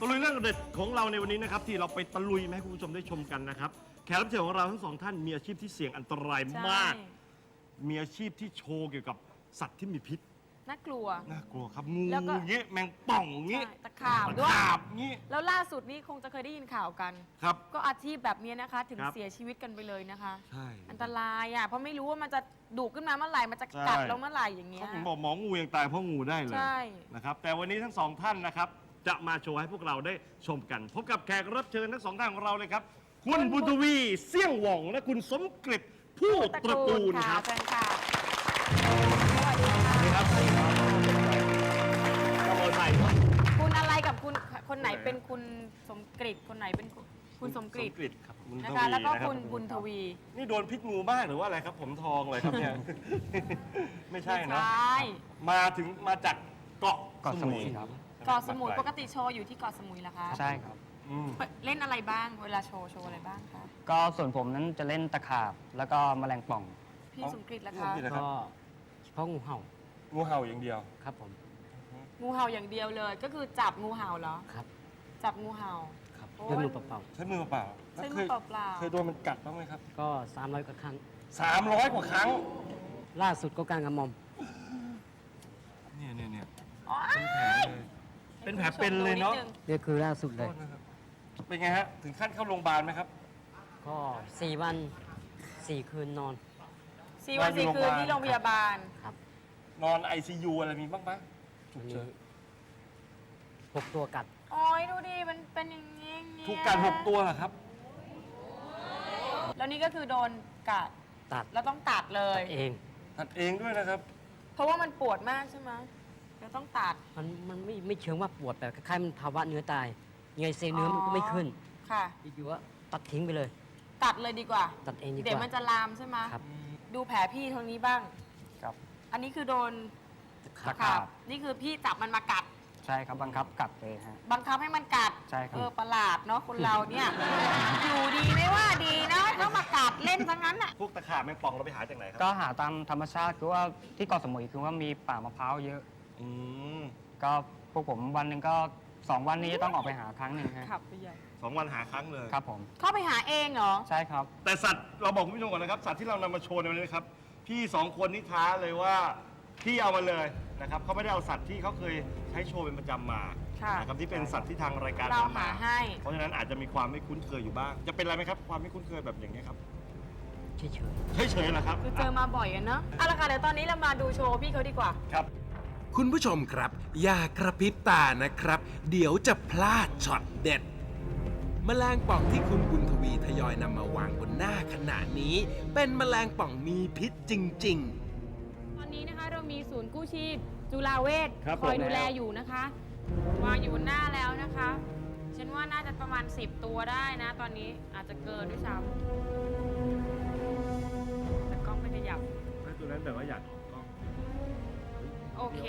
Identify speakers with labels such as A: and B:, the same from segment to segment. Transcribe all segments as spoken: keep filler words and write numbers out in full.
A: ตะลุยเรื่องเด็ดของเราในวันนี้นะครับที่เราไปตะลุยมาให้คุณผู้ชมได้ชมกันนะครับแขกรับเชิญของเราทั้งสองท่านมีอาชีพที่เสี่ยงอันตรายมาก มีอาชีพที่โชว์เกี่ยวกับสัตว์ที่มีพิษ
B: น่ากลัว
A: น่ากลัวครับงู
B: แล้วก็
A: เงี้ยแมงป่องเงี้ย
B: ใช่ตะขาบด้วย
A: ตะขาบเงี้ย
B: แล้วล่าสุดนี้คงจะเคยได้ยินข่าวกัน
A: ครับ
B: ก็อาชีพแบบนี้นะคะ ถึง
A: ครับ
B: เสียชีวิตกันไปเลยนะคะ
A: ใช่
B: อันตรายอ่ะเพราะไม่รู้ว่ามันจะดุขึ้นมาเมื่อไหร่มันจะ
A: ใช่
B: กัดเราเมื่อไหร่อย่างเงี้ย
A: เขาถึงบอกหมองูยังตายเพราะงูได้เลย
B: ใช่
A: นะครับแต่วันนี้ทั้งสองท่านนะครับจะมาโชว์ให้พวกเราได้ชมกัน พบกับแขกรับเชิญทั้งสองท่านของเราเลยครับ คุณบุญทวีเสี่ยงหว่องและคุณสมกฤตผู้ตระกูลครับ
B: เชิญค่ะสวัสดีค่ะ
A: ครับขโมยไปครับ
B: คุณอะไรกับคุณคนไหนเป็นคุณสมกฤตคนไหนเป็นคุณคุณสมกฤต
A: สมกฤตครับบุญท
B: นะ
A: วี
B: คะแล้วก็
A: นะครับ
B: คุณบุญทวี
A: นี่โดนพิษงูบ้างหรือว่าอะไรครับ ผมทองเลยครับเนี่ย ไม่ใช่นะ
B: ใช่
A: มาถึงมาจากเกาะ
C: เกาะสมุยครับ
B: เกาะสมุยปกติโชว์อยู่ที่เกาะสมุยเหรอคะ
C: ใช่ครับ
A: อืม
B: เล่นอะไรบ้างเวลาโชว์โชว์อะไรบ้างคะ
C: ก็ส่วนผมนั้นจะเล่นตะขาบ แล้วก็แมลงป่อง
B: พี่สมกฤตล่ะ
A: พี่ส
B: คะ
A: มกฤตนะครับ
D: ก็เฉพาะงูเห่า
A: งูเห่าอย่างเดียว
D: ครับผม
B: งูเห่าอย่างเดียวเลย ก็คือจับงูเห่าเหรอ
D: ครับ
B: จับงูเห่า
D: ครับ
B: โอ้ย
D: ด้วยมือเปล่า
A: ใช้มือเปล่า
B: ใช้
A: แล้ว
B: มื
A: เค
B: อย เปล่า
A: เคยโดนมันกัดบ้างไหมครับ
D: ๆก็สามร้อยกว่าครั้ง
A: สามร้อยกว่าครั้ง
D: ล่าสุดก็การกระหม่อม
A: เนี่ยเนี่ยเนี่ย
B: ๆอ๋อ
A: เป็นแผลเลยเป็นแผลเป็นเลยเนาะ
D: นี่คือล่าสุดเลย
A: โทษนะครับเป็นไงฮะ ถึงขั้นเข้าโรงพยาบาลไหมครับ
D: ก็สี่วันสี่คืนนอน
B: สี่วันสี่คืนที่โรงพยาบาล
D: ครับ
A: นอน ไอ ซี ยู อะไรมีบ้างไหมฉุก
D: มี
A: เฉิน
D: หกตัวกัด
B: โอ้ยดูดิ มันเป็นอย่างนี้เนี่ย
A: ถูกกัดหกตัวเหรอครับ
B: แล้วนี่ก็คือโดนกัด
D: ตัด
B: แล้วต้องตัดเลย
D: เอง
A: ตัดเองด้วยนะครับ
B: เพราะว่ามันปวดมากใช่ไหมแล้วต้องตัด
D: มันมันไม่ไม่เชิงว่าปวดแต่คล้ายๆมันภาวะเนื้อตายยังไงเซลล์เนื้อมันก็ไม่ขึ้น
B: ค่ะ
D: อยู่ๆว่าตัดทิ้งไปเลย
B: ตัดเลยดีกว่า
D: ตัดเองดีก
B: เดี๋ยวมั
D: ว่าน
B: จะลามใช่ไหม
D: ครับ
B: ดูแผลพี่ทางนี้บ้าง
C: ครับ
B: อันนี้คือโดน
C: ตะขาบ
B: นี่คือพี่จับมันมากัด
C: ใช่ครับบังคับกัดเลยฮะ
B: บังคับให้มันกัด
C: ใช่ครับ
B: เออประหลาดเนาะคนเราเนี่ย อยู่ดีไม่ว่าดีนะต้องมากัดเล่นทั้งนั้นอ่ะ
A: พวกตะขาบแมงป่องเราไปหาจากไหนครั
C: ก็หาตามธรรมชาติคือว่าที่เกาะสมุยคือว่ามีป่ามะพร้าวเยอะ
A: อืม
C: ก็พวกผมวันหนึ่งก็สองวันนี้ต้องออกไปหาครั้งหนึ่งฮะ
B: ขับไปใหญ่
A: สองวันหาครั้งเลย
C: ครับผม
B: เข้าไปหาเองเหรอ
C: ใช่ครับ
A: แต่สัตว์เราบอกคุณผู้ชมก่อนนะครับ สัตว์ที่เรานำมาโชว์ในวันนี้นะครับ พี่สองคนนี่ท้าเลยว่าพี่เอามาเลยนะครับเขาไม่ได้เอาสัตว์ที่เขาเคยใช้โชว์เป็นประจำมา
B: ค่ะ
A: นะครับที่เป็นสัตว์ที่ทางรายการ
B: เรา
A: นำ
B: หาให้
A: เพราะฉะนั้นอาจจะมีความไม่คุ้นเคยอยู่บ้าง จะเป็นอะไรไหมครับ ความไม่คุ้นเคยแบบอย่างนี้ยครับ
D: เฉย
A: เฉยๆเหรอครับ
B: คือเจอมาบ่อยอะเนาะเอาละค่ะเดี๋ยวตอนนี้เรามาดูโชว์พี่เขาดีกว่า
A: ครับ
E: คุณผู้ชมครับ อย่ากระพริบตานะครับ เดี๋ยวจะพลาดช็อตเด็ด แมลงป่องที่คุณบุญทวีทยอยนำมาวางบนหน้าขณะนี้ เป็นแมลงป่องมีพิษจริง ๆ
B: ตอนนี้นะคะเรามีศูนย์กู้ชีพจุฬาเวช
A: ครับ
B: คอย
A: ผม
B: ดูแลอยู่นะคะ วางอยู่บนหน้าแล้วนะคะ ฉันว่าน่าจะประมาณสิบตัวได้นะ ตอนนี้อาจจะเกินด้วยซ้ำแต่กล้องไม่ขยับ
A: ตัวนั้นแบบว่าอยากออกกล้อง
B: โอเค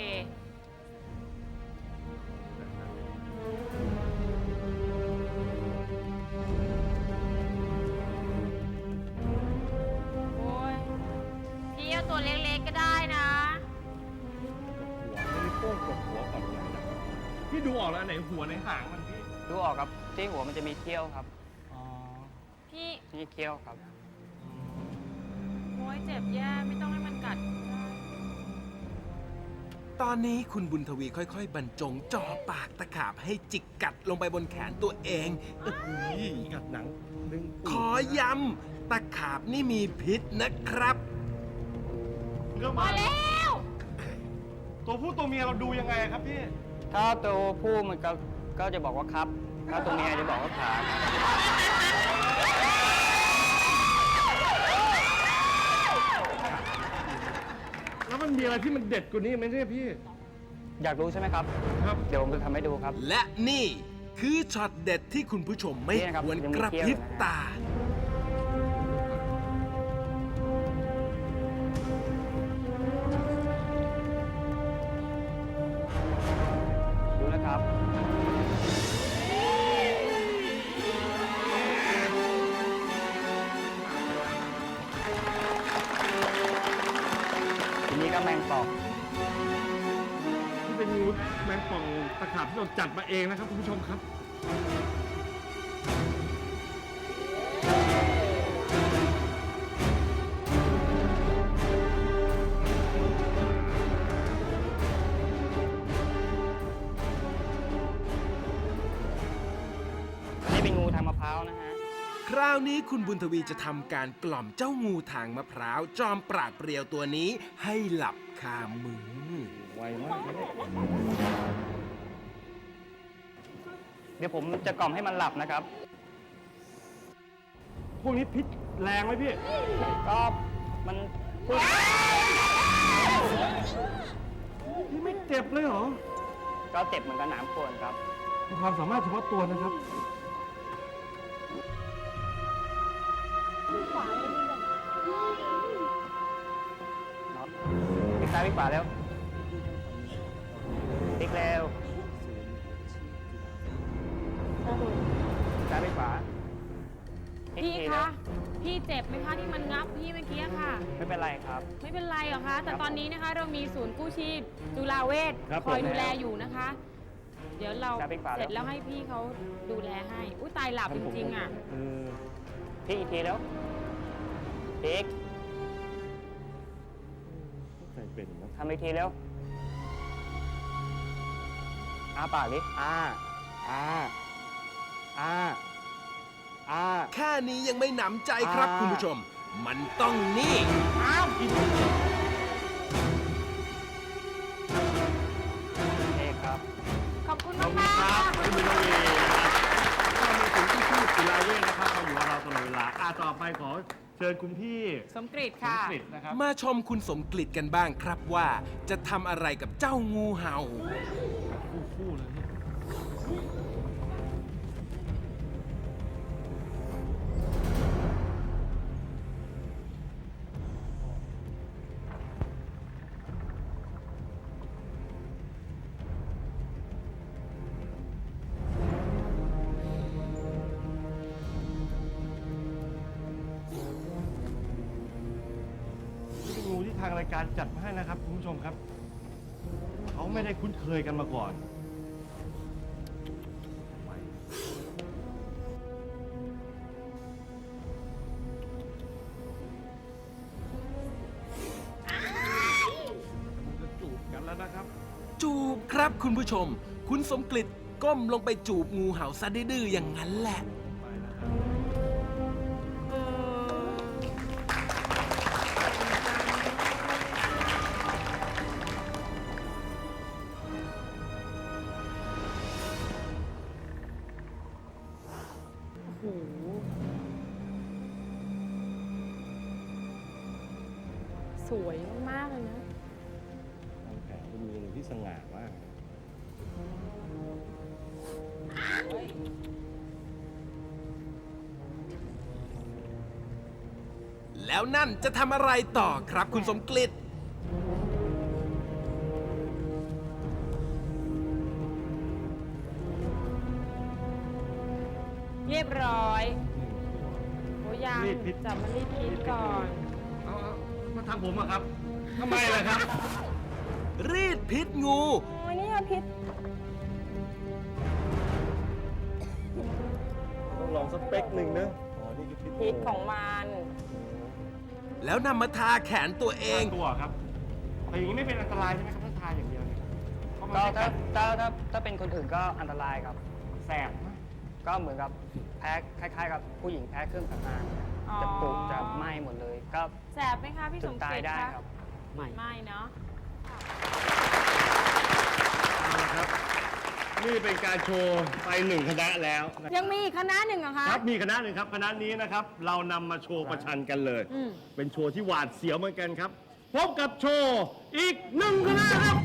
B: โอ้ยพี่เอาตัวเล็กๆก็ได้นะ
A: หัวไม่ได้โป้งกดหัวก่อนเลยนะพี่ดูออกแล้วอันไหนหัวไหนหางมันพี่
C: ดูออกครับที่หัวมันจะมีเขี้ยวครับ
A: อ๋อ
B: พี่
C: นี่เขี้ยวครับ
B: โอ้ยเจ็บแย่ไม่ต้องให้มันกัด
E: ตอนนี้คุณบุญทวีค่อยๆ บรรจงจ่อปากตะขาบให้จิกกัดลงไปบนแขนตัวเอง
A: อุ้ยกัดหนังดึง
E: ขอย้ำตะขาบนี่มีพิษนะครับ
A: เรื่อง
B: พอ
A: มา
B: แล้ว
A: ตัวผู้ตัวเมียเราดูยังไงครับพี่
C: ถ้าตัวผู้มันก็ก็จะบอกว่าครับ ถ้าตัวเมียจะบอกว่าขาครับ
A: แล้วมันมีอะไรที่มันเด็ดกว่านี้ไหมเนี่ยพี่
C: อยากรู้ใช่ไหมครับ
A: ครับ
C: เดี๋ยวผมจะทำให้ดูครับ
E: และนี่คือช็อตเด็ดที่คุณผู้ชมไม่
C: นี่นะครับ
E: ควร
C: ยังมี
E: กระ
C: เขี้ยว
E: พริบ
C: อยู่นะ
E: ตา
C: ดูนะครับ ทีนี้ก็แมงป่อง
A: ที่เป็นงูแมงป่องตะขาบที่เราจัดมาเองนะครับคุณผู้ชมครับ
C: นี่เป็นงูทางมะพร้าวนะฮะ
E: คราวนี้คุณบุญทวีจะทำการกล่อมเจ้างูทางมะพร้าว จอมปราดเปรียวตัวนี้ให้หลับคามือ
A: ไวมากเลย
C: เดี๋ยวผมจะกล่อมให้มันหลับนะครับ
A: พวกนี้พิษแรงไหมพี่
C: ก็มันพูด
A: พี่ไม่เจ็บเลยเหรอ
C: ก็เจ็บเหมือนกับหนามข่วนครับ
A: มีความสามารถเฉพาะตัวนะครับ
C: พลิกซ้ายพลิกขวาแล้วพลิกเร็วพลิกซ้ายพลิกขวาพลิก
B: พี่
C: ที
B: คะ
C: แล้ว
B: พี่เจ็บไหมคะที่มันงับพี่เมื่อกี้ค่ะ
C: ไม่เป็นไรครับ
B: ไม่เป็นไรหรอกคะ แต่ตอนนี้นะคะเรามีศูนย์กู้ชีพจุฬาเวช
A: ครับ
B: คอย
A: ผม
B: ดูแลอยู่นะคะ เดี๋ยวเรา
C: ครับพี่ขวา
B: เสร็จแล้วให้พี่เขาดูแลให้ อุ้ยตายหลับจริงๆอ่ะ
A: เออ
C: พลิกอีกทีแล้วพลิก
A: ใครเป็นนะ
C: ทำอีกทีแล้วอ้าปากดิอ้าอ้าอ้าอ้า
E: แค่นี้ยังไม่หนำใจครับ
C: อ่า
E: คุณผู้ชม มันต้องนี่
C: อ้าวกินโอเคครับ
B: ขอบคุณ
A: ขอบ
B: มาก
A: คุณ
B: ๆ
A: ครับ
B: ค่ะ
A: คุณบุญทวีนะครับก็มีถึงที่ชื่อจุฬาเวชนะครับมาอยู่กับเราตลอดเวลาอ่ะต่อไปขอเชิญคุณพี่
B: สมกฤต
A: สม
B: ค่ะ
A: กฤตนะครับ
E: มาชมคุณสมกฤตกันบ้างครับว่า จะทำอะไรกับเจ้างูเห่า
A: คู่ๆเลยเนี่ย นี่เป็นงูที่ทางรายการจัดมาให้นะครับคุณผู้ชมครับ เขาไม่ได้คุ้นเคยกันมาก่อน จะจูบกันแล้วนะครับ
E: จูบครับคุณผู้ชม คุณสมกฤตก้มลงไปจูบงูเห่าซะดื้อๆอย่างนั้นแหละ
A: ไปนะครับ
B: โอ้โหสวยมากๆเลยนะ
A: ทางแผนเป็นงูที่สง่ามาก
E: แล้วนั่นจะทำอะไรต่อครับคุณสมกฤต
B: เรียบร้อยโอ้ยัง
A: รีดพิษ
B: จับมันรีดพิษก่อน
A: เอาเอามาทางผมอะครับทำไมล่ะครับ
E: รีดพิษงู
B: โอ้ยนี่พิษ
A: ต้องลองสเปคหนึ่งนะอ๋อนี่คือพิษ
B: พิษของมัน
E: แล้วนำมาทาแขนตัวเอง
A: ตัวครับ แต่อย่างนี้ไม่เป็นอันตรายใช่ไหมครับถ้าทาอย่างเดียวเนี่ยเพราะมัน
C: ก็
A: ไม่
C: ถ้า
A: กัด
C: ถ้าถ้าถ้าเป็นคนอื่นก็อันตรายครับ
A: แสบไหม
C: ก็เหมือนกับแพ้คล้ายๆ กับผู้หญิงแพ้เครื่องสำอาง
B: อ๋อ
C: จะปุจะไหม้หมดเลย ก็
B: แสบไหมคะพี่
C: ถึ
B: ส
C: ง
B: ม
C: ตา
B: ศ
C: ย
B: รี
C: ได้
B: คะ
C: ครับ
D: ไม่
B: ไม่เนาะ
A: เอาละครับ นี่เป็นการโชว์ไปหนึ่งคณะแล้วนะ
B: ยังมีอีกคณะหนึ่งเหรอคะ
A: ครับมีคณะหนึ่งครับคณะนี้นะครับ เรานำมาโชว์ประชันกันเลย
B: อืม
A: เป็นโชว์ที่หวาดเสียวเหมือนกันครับ พบกับโชว์อีกหนึ่งคณะครับ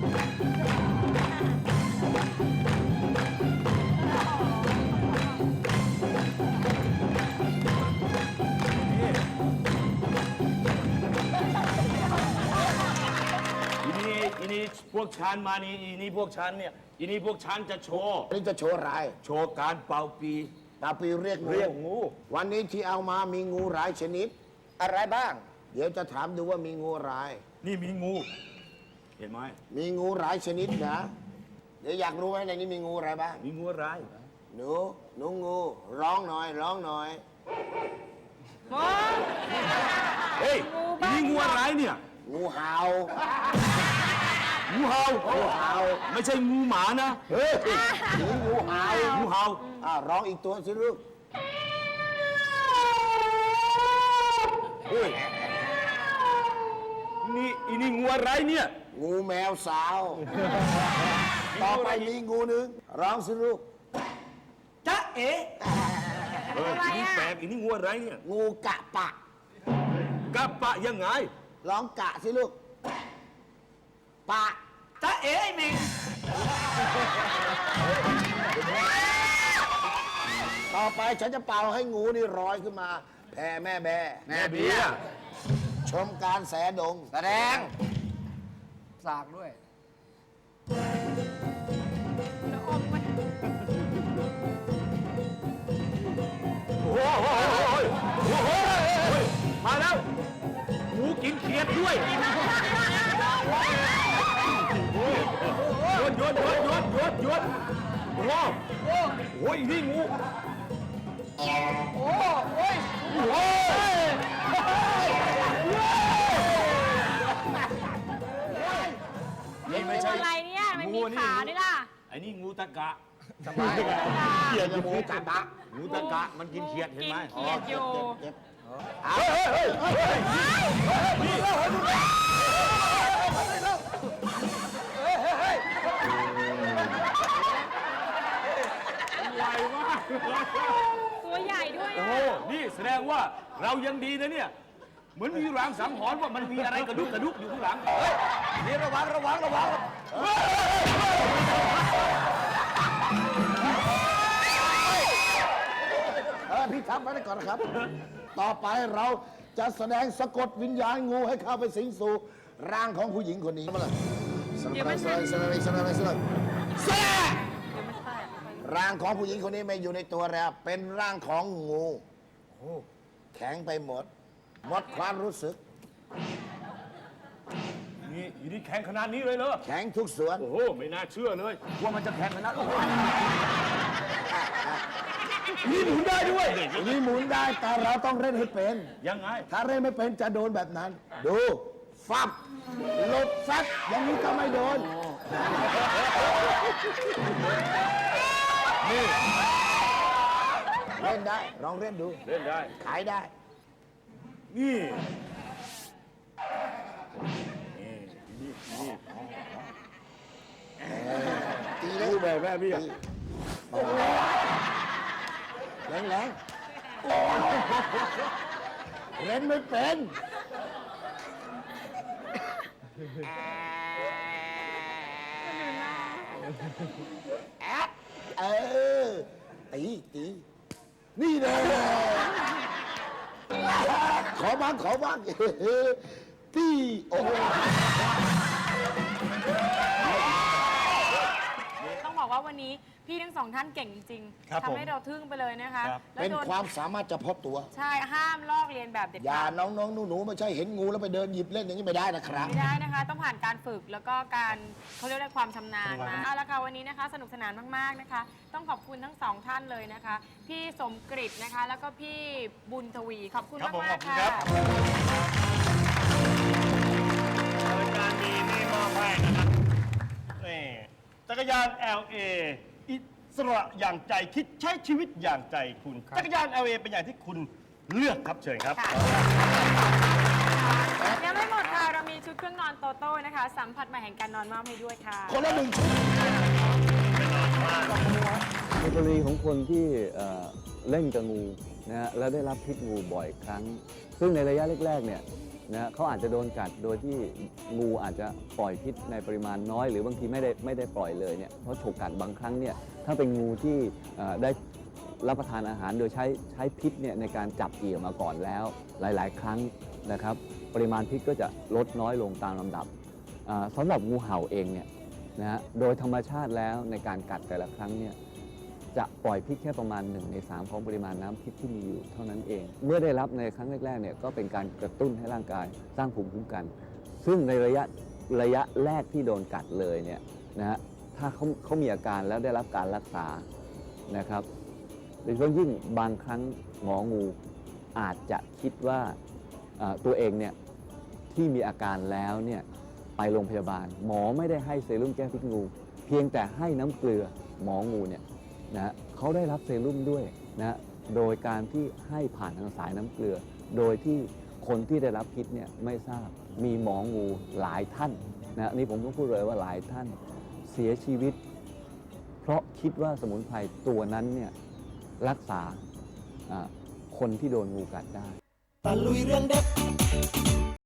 F: อีนี่อีนี่พวกฉันมานี่อีนี่พวกฉันเนี่ยอีนี่พวกฉันจะโชว์
G: วันนี้จะโชว์อะไร
F: โชว์การเป่าปี
G: ตาปีเรียกงู
F: เรียกงู
G: วันนี้ที่เอามามีงูหลายชนิด อะไรบ้าง เดี๋ยวจะถามดูว่ามีงูอะไร
F: นี่มีงู เห็นไหม
G: มีงูหลายชนิดนะ เดี๋ยวอยากรู้ไหมในนี้มีงูอะไรบ้าง
F: มีงูอะไร
G: หนูหนูงูร้องหน่อยร้องหน่อย
B: โอ้
F: เฮ้ย
B: งู
F: อี
B: บ้า
F: นี่งูอะไรเนี่ย
G: งูเห่า
F: งูเห่า
G: งูเห่า
F: ไม่ใช่งูหมานะ
G: เฮ้ยหนูงูเห่า
F: งูเห่า
G: อ่าร้องอีกตัวสิลูก
F: เฮ้ยนี่อีนี่งูอะไรเนี่ย
G: งูแมวสาว ต่อไปมีงูหนึ่งร้องสิลูก
F: จ๊ะเอ๋
B: อะไร
F: อีนี่
B: อ่ะ
F: แปลกอีนี่งูอะไรเนี่ย
G: งูกะปะ
F: กะปะยังไง
G: ร้องกะสิลูก ปะ
F: จ๊ะเอ๋ไอ้เมง
G: ต่อไปฉันจะเป่าให้งูนี่ลอยขึ้นมา แผ่แม่แบ่
F: แม่เบี้ย
G: ชมการแสดง
C: แสดง สากด้วย
B: แล้วอมมัน
F: โอ้โหโอ้โหโอ้โหมาแล้วงูกินเขียดด้วยโยนโยนโยนโยนโยนโยนโอ้โหโอ้ยนี่งูโอ้โหโอ้ยโอ้ยนี่ไม่
B: งู
F: ใช่
B: อะไรเนี่ยมันมี
F: งูนี่
B: ขาด้วยล่ะ
F: ไอ้นี่งูตะกะ
G: เขียดงูกะปะ
F: งูตะกะมันกินเขียดเห็น
B: กิน
F: ไหม
B: เขียดอยู่
G: เจ็บ
F: เฮ้ยเฮ้ยเฮ้ยเฮ้ยนี่ไวมาก
B: ตัวใหญ่ด้วย
F: โอ้
B: อ่ะ
F: โหนี่แสดงว่าเรายังดีนะเนี่ย เหมือนมีรางสังหรณ์ว่ามันมีอะไรกระดุกกระดุกอยู่ข้างหลัง เฮ้ยนี่ระวังระวังระวังเฮ้ย
G: เออพี่ทำไปได้ก่อนนะครับ ต่อไปเราจะแสดงสะกดวิญญาณงูให้เข้าไปสิงสู่ร่างของผู้หญิงคนนี้มาเลยสลับไปสลับไปสลับไปสลับไปสลับสลับร่างของผู้หญิงคนนี้ไม่อยู่ในตัวแล้ว เป็นร่างของงูแข็งไปหมด หมดความรู้สึก
F: นี่อยู่นี่แข็งขนาดนี้เลยเหรอ
G: แข็งทุกส่วน
F: โอ้โห ไม่น่าเชื่อเลย ว่ามันจะแข็งขนาดโอ้โหนี่หมุนได้ด้วย
G: นี่หมุนได้แต่เราต้องเล่นให้เป็น
F: ยังไง
G: ถ้าเล่นไม่เป็นจะโดนแบบนั้น ดู ฟับหลบซัดอย่างนี้ก็ไม่โดน นี่ เล่นได้ ลองเล่นดู
F: เล่นได้
G: ขายได้
F: นี่
G: ตีเลย
F: ดูแบบแม่พี่
G: แรงแรงเล่นไม่เป็น แอดเออ ตีตีนี่เลย ขอบ้าง ขอบ้าง ตีโอ้โห
B: ต้องบอกว่าวันนี้พี่ทั้งสองท่านเก่งจริง
A: ครับ
B: ๆทำให้เราทึ่งไปเลยนะคะ
A: ครับ
B: แล้ว
G: เป็น
B: โดน
G: ความสามารถเฉพาะตัว
B: ใช่ห้ามลอกเลียนแบบเด็ด
G: อย่า
B: ขาด
G: น้องๆหนูๆไม่ใช่เห็นงูแล้วไปเดินหยิบเล่นอย่างนี้ไม่ได้นะครับ
B: ไม่ได้นะคะ ต้องผ่านการฝึกแล้วก็การเขาเรียกว่าความชำนาญมาเอาละค่ะวันนี้นะคะ สนุกสนานมากๆนะคะ ต้องขอบคุณทั้งสองท่านเลยนะคะ พี่สมกฤตนะคะ แล้วก็พี่บุญทวีขอบคุณ
A: ครับผม
B: มาก
A: ขอบ
B: ๆ
A: คุณ
B: ค่ะ
A: ครับ รายการนี้นี่มอบให้นะครับนี่จักรยาน แอล เอ อิสระอย่างใจคิดใช้ชีวิตอย่างใจคุณ จักรยาน แอล เอ เป็นอย่างที่คุณเลือกครับเชิญครับ
B: ค่ะยังไม่หมดค่ะ เรามีชุดเครื่องนอนโตโต้นะคะ สัมผัสใหม่แห่งการนอนมอบให้ด้วยค่ะ
G: คนละหนึ่งชุด
H: ในกรณีของคนที่เอ่อเล่นกับงูนะฮะแล้วได้รับพิษงูบ่อยครั้ง ซึ่งในระยะแรกๆเนี่ยนะฮะเขาอาจจะโดนกัดโดยที่งูอาจจะปล่อยพิษในปริมาณน้อย หรือบางทีไม่ได้ไม่ได้ปล่อยเลยเนี่ยเพราะฉกกัดบางครั้งเนี่ยถ้าเป็นงูที่เอ่อได้รับประทานอาหารโดยใช้ใช้พิษเนี่ยในการจับเหยี่ยวมาก่อนแล้วหลายๆ ครั้งนะครับปริมาณพิษก็จะลดน้อยลงตามลำดับอ่าสำหรับงูเห่าเองเนี่ยนะฮะโดยธรรมชาติแล้วในการกัดแต่ละครั้งเนี่ยจะปล่อยพิษแค่ประมาณหนึ่งในสามของปริมาณน้ำพิษที่มีอยู่เท่านั้นเอง เมื่อได้รับในครั้งแรกๆเนี่ยก็เป็นการกระตุ้นให้ร่างกายสร้างภูมิคุ้มกัน ซึ่งในระยะระยะแรกที่โดนกัดเลยเนี่ยนะฮะถ้าเขาเขามีอาการแล้วได้รับการรักษานะครับโดยเฉพาะยิ่งบางครั้งหมองูอาจจะคิดว่าเอ่อตัวเองเนี่ยที่มีอาการแล้วเนี่ยไปโรงพยาบาล หมอไม่ได้ให้เซรุ่มแก้พิษงู เพียงแต่ให้น้ำเกลือหมองูเนี่ยนะเขาได้รับเซรุ่มด้วยนะโดยการที่ให้ผ่านทางสายน้ำเกลือ โดยที่คนที่ได้รับพิษเนี่ยไม่ทราบมีหมองูหลายท่านนะนี่ผมต้องพูดเลยว่าหลายท่านเสียชีวิต เพราะคิดว่าสมุนไพรตัวนั้นเนี่ยรักษาอ่าคนที่โดนงูกัดได้
I: ตะลุยเรื่องเด็ด